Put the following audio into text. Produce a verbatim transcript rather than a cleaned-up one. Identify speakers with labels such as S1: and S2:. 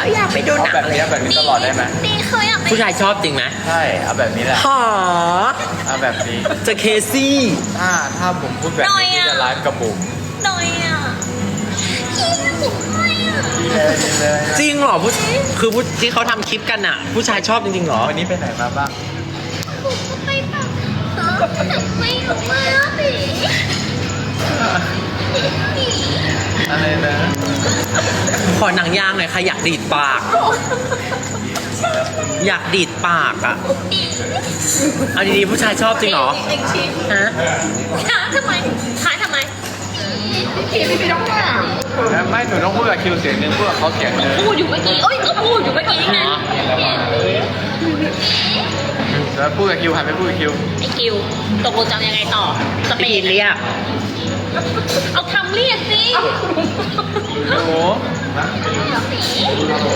S1: อยากไปดูหนัง
S2: แบบนี้แบบนี้ตลอดได้ไหม
S3: ดีเคยอยากไป
S1: ผู้ชายชอบจริงไหม
S2: ใช่เอาแบบนี้แหละ
S1: หอ
S2: เอาแบบนี้
S1: จะเคซี่
S2: ถ้าถ้าผมพูดแบบนี้พี่จะไลฟ์กับบุ๋ม
S3: หน่อยอ่ะพี่บุ๋มหน่อยอ่ะ
S2: ดีเลยดีเลย
S1: จริงเหรอผู้คือผู้ที่เขาทำคลิปกันอ่ะ ผู้ชายชอบจริงๆเหรอ
S2: วันนี้ไปไหนมาบ้าง
S3: บุ๋มก็ไปแบบฮะไม่ออกมาสิ
S2: อะไรนะ
S1: ขอหนังยางหน่อยค่ะอยากดีดปาก อยากดีดปากอ่ะเอาดีๆผู้ชายชอบจริงเหรอ
S3: เอ็งชิ
S1: ฮะ
S3: ขาทำไมขาทำไมพี่พี่ต้องถาม
S2: ไม่หนูต้องพูดกับคิวเสียงหนึงพูดกับเขาเสียงหนึง
S3: พูดอยู่เมื่อกี้เอ้ยก็พูดอยู่เมื่อกี้ไง
S2: แล้วพูดกับคิวหันไปพูดกับคิว
S3: ไอ้กิวตกลงจะเอายังไงต่อสเป
S1: ปี
S3: น
S1: นเรียก
S3: เอาคำเรียกสิ
S2: หนู